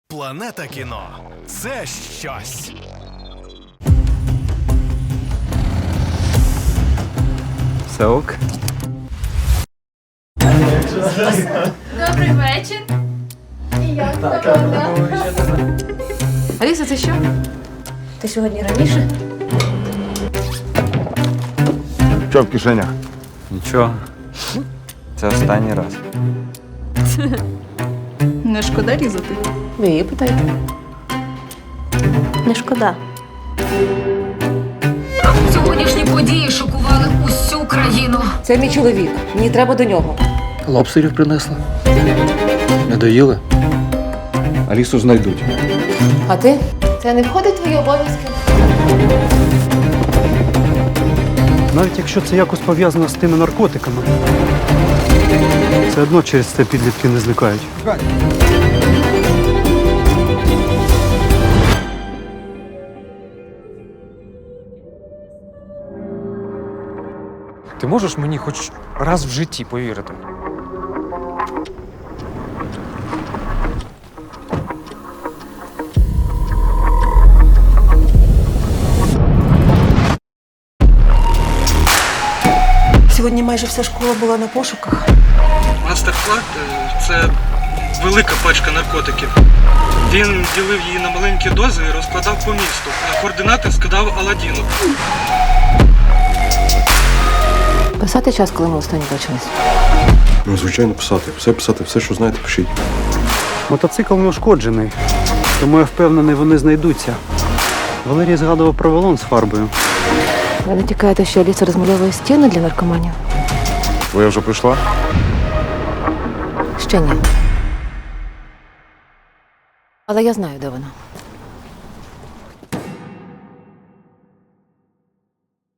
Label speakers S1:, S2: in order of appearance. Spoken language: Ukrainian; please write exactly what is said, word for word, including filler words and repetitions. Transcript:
S1: Планета кіно – це щось.
S2: Все ок?
S3: Добрий вечір. І як погода?
S4: Аліса, це що? Ти сьогодні раніше?
S5: Що в кишенях?
S2: Нічого. Це останній раз.
S4: Не шкода різати?
S6: Ви її питайте. Не шкода.
S3: Сьогоднішні події шокували усю країну.
S6: Це мій чоловік. Мені треба до нього.
S7: Лобстерів принесли. Не доїли? Алісу знайдуть.
S6: А ти? Це не входить в твої обов'язки?
S8: Навіть якщо це якось пов'язано з тими наркотиками, все одно через це підлітки не зникають.
S9: Ти можеш мені хоч раз в житті повірити?
S10: Сьогодні майже вся школа була на пошуках.
S11: Мастер-клад – це велика пачка наркотиків. Він ділив її на маленькі дози і розкладав по місту. На координати скидав Аладдіну.
S6: Писати час, коли ми останні бачились.
S5: Ну, звичайно, писати. Все писати, все, що знаєте, пишіть.
S8: Мотоцикл не ушкоджений, тому я впевнений, вони знайдуться. Валерій згадував про балон з фарбою.
S6: Ви не тікаєте, що Аліса розмальовує стіни для наркоманів?
S5: Твоя вже прийшла?
S6: Ще ні. Але я знаю, де вона.